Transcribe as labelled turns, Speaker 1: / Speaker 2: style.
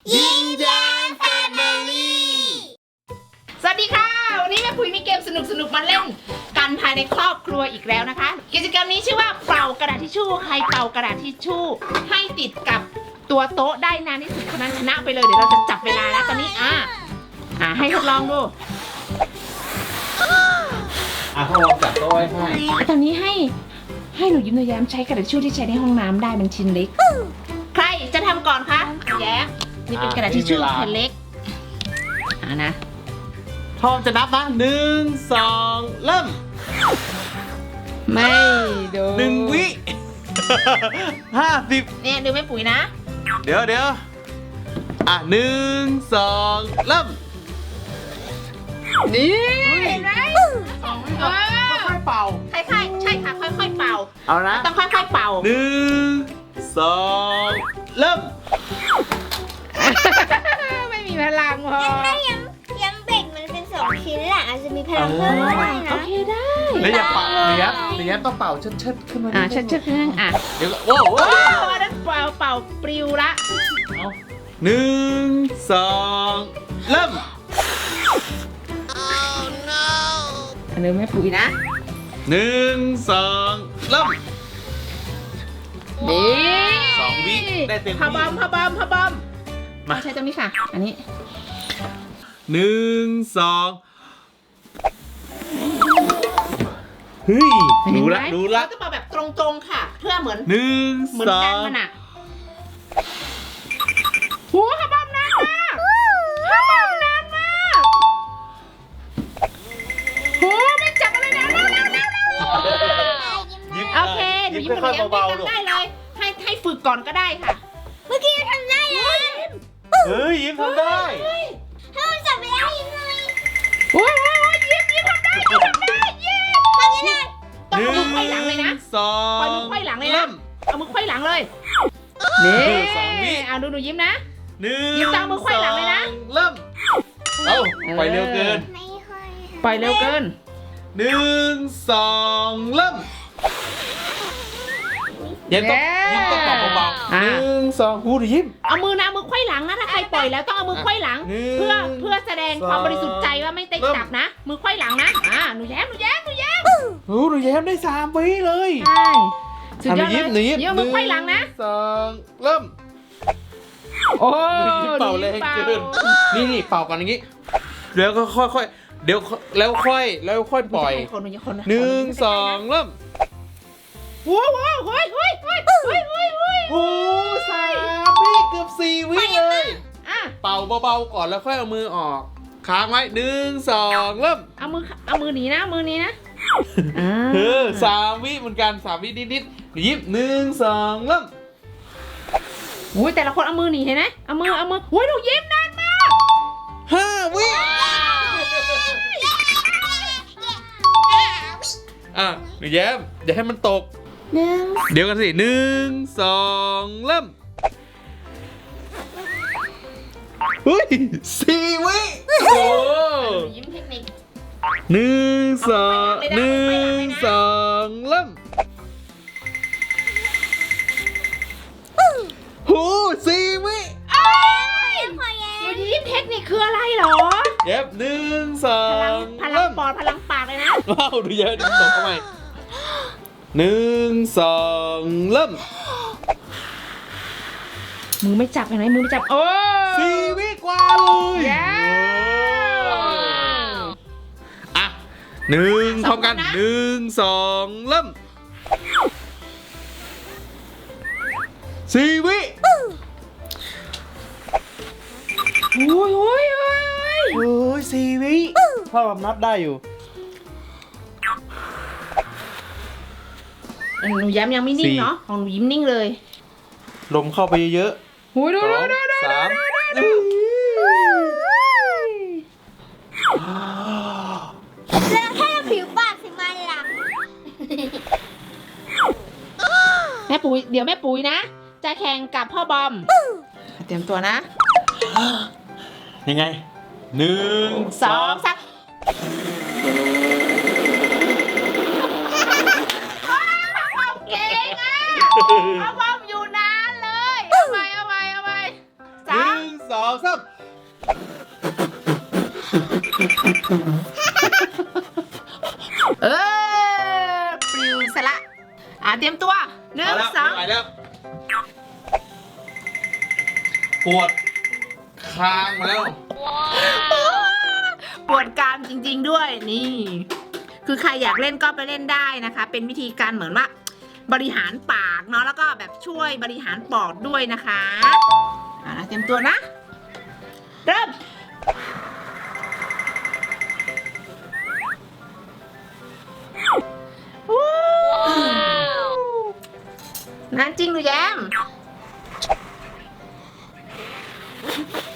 Speaker 1: ยิ้มแย้มแฟมิลี่สวัสดีค่ะวันนี้แม่ปุ๋ยมีเกมสนุกมาเล่นกันภายในครอบครัวอีกแล้วนะคะกิจกรรมนี้ชื่อว่าเป่ากระดาษทิชชู่ใครเป่ากระดาษทิชชู่ให้ติดกับตัวโต๊ะได้นานที่สุดคนนั้นชนะไปเลยเดี๋ยวเราจะจับเวลาแล้วตอนนี้ให้ทดลองดู
Speaker 2: เขาลองจับโต๊ะไว้ให้
Speaker 1: ตอนนี้ให้หนูยิ้มหนูแย้มใช้กระดาษทิชชู่ที่ใช้ในห้องน้ำได้มันชิ้นเล็กใครจะทำก่อนคะแย้มนี่เป็นกระดาษทิชชู่แผ่นเล็กนะ
Speaker 2: พร้อมจะนับนะ1 2เริ่ม
Speaker 1: ไม่ดู
Speaker 2: 1 วิ 50
Speaker 1: เนี่ยดูแม่ปุ๋ยนะ
Speaker 2: เดี๋ยว1 2เริ่ม
Speaker 1: นี่เห็นไหม
Speaker 2: ค่อยๆเป่า
Speaker 1: ใช่ใช่ค่ะค่อยๆเป่า
Speaker 2: เอานะ
Speaker 1: ต้องค่อยๆเป่า
Speaker 2: 1 2เริ่ม
Speaker 1: ไม่มีพลังพอ
Speaker 3: ถ้ายังเบ่งมันเป็น2 ชิ้นแหละอาจจะมีพลังเพิ่มได้นะ
Speaker 1: โอเคได้
Speaker 2: แล้วอย่าเป่าเดี๋ยวต้องเป่าเชิดขึ้นมา
Speaker 1: เชิดขึ้น
Speaker 2: เดี๋ยวโอ้โห
Speaker 1: นั้นเป่าปลิวละ
Speaker 2: เอา1 2เริ่ม
Speaker 1: อันนี้แม่ปุ๋ยนะ
Speaker 2: 1 2เริ่ม
Speaker 1: นี่
Speaker 2: 2 วิได้เต็มที่
Speaker 1: พะบอมมาใช้ตรงนี้ค่ะอันนี้
Speaker 2: 1 2เฮ้ยรู้ละ
Speaker 1: เราจะเป่าแบบตรงๆค่ะเพื่อเหมือนกันมันอ่ะโหพะบอมนานมากโหไม่จับอะไรนะโอเคหนูยิ้มเบาๆได้เลยให้ฝึกก่อนก็ได้ค่ะ
Speaker 3: เมื่อกี้ทำได้เลย
Speaker 2: เฮ้ยยิ้มทำได้
Speaker 3: ถ้ามันจับไม่ได้ยิ้มเลย
Speaker 1: โอ้ยยิ้มทำได้ยิ้มทำยังไงต้องเอามือไขว้หลังเลยนะปล่อยมือไขว้หลังเลยนะเอามือไขว้หลังเลยนี่เอาดูหนูยิ้มนะยิ้มตามมือไขว้หลังเลยนะ
Speaker 2: เริ่มเอาปล่อยเร็วเกิน
Speaker 1: ปล่อยเร็วเกิน
Speaker 2: 1 2เริ่มยิ้มต้องเป่าเบาๆ1 2พูดยิ้ม
Speaker 1: เอามือนะมือไขว้หลังนะถ้าใครปล่อยแล้วต้องเอามือไขว้หลังเพื่อแสดงความบริสุทธิ์ใจว่าไม่ได้จับนะมือไขว้หลังนะหนูแย้ม
Speaker 2: หนูแย้มได้3 วิเลย
Speaker 1: ใช่สุดยอด
Speaker 2: เลย
Speaker 1: ยิ้มมือไขว้หลังนะ
Speaker 2: 2เริ่ม
Speaker 1: โอ้
Speaker 2: เป่าแรงเกินนี่เป่ากันอย่างนี้แล้วก็ค่อยเดี๋ยวแล้วค่อยปล่อย1 2เริ่ม
Speaker 1: โอ้โห3 วิ
Speaker 2: เกือบ4 วิเลยเป่าเบาๆก่อนแล้วค่อยเอามือออกค้างไว้1 2เริ่ม
Speaker 1: เอามือหนีนะมือนี้นะ
Speaker 2: 3 วิเหมือนกัน3 วินิดๆยิ้ม1 2เริ่ม
Speaker 1: อุ้ยแต่ละคนเอามือหนีเห็นไหมเอามือโอ้ยหนูยิ้มนานมาก
Speaker 2: 5 วิหนูแย้มอย่าให้มันตกเดี๋ยวกันสิ1 2เริ่มเฮ้ย4 วิโอ้
Speaker 1: ยิ้มเทคนิค
Speaker 2: 1 2เริ่มโห4 วิ
Speaker 1: หนูยิ้มเทคนิคคืออะไรหรอ
Speaker 2: เย็บ1 2
Speaker 1: พลังปอดพลังปากเลยนะ
Speaker 2: ว้าวดูเยอะดิตกเข้าไป1 2เริ่ม
Speaker 1: มือไม่จับเห็นไหมมือไม่จับโอ้
Speaker 2: 4 วิกว่าเลย1พร้อมกัน1 2เริ่ม4 วิ
Speaker 1: โอ้
Speaker 2: ย4 วิพ่อแบบนับได้อยู่
Speaker 1: หนูย้ำยังไม่นิ่งเนาะของหนูยิ้มนิ่งเลย
Speaker 2: ลมเข้าไปเยอะ
Speaker 1: โอ้ยดู3
Speaker 3: แล้วแค่ผิวปากสิมันหลัง
Speaker 1: แม่ปุ๋ยเดี๋ยวแม่ปุ๋ยนะจะแข่งกับพ่อบอมเตรียมตัวนะ
Speaker 2: ยังไง1 2
Speaker 1: 3เก่งพ่อบอมอยู่นานเลยเอาไป3
Speaker 2: 2 3
Speaker 1: เออปลิวซะละเตรียมตัวหนึ่ง
Speaker 2: เอาแล้ว
Speaker 1: สอง
Speaker 2: ไม่ไหวแล้วปวดคางมาแล้ว
Speaker 1: ปวดกรามจริงๆด้วยนี่ คือใครอยากเล่นก็ไปเล่นได้นะคะ เป็นวิธีการเหมือนว่าบริหารปากเนาะแล้วก็แบบช่วยบริหารปอดด้วยนะคะเตรียมตัวนะ เริ่มนานจริงหรือแยม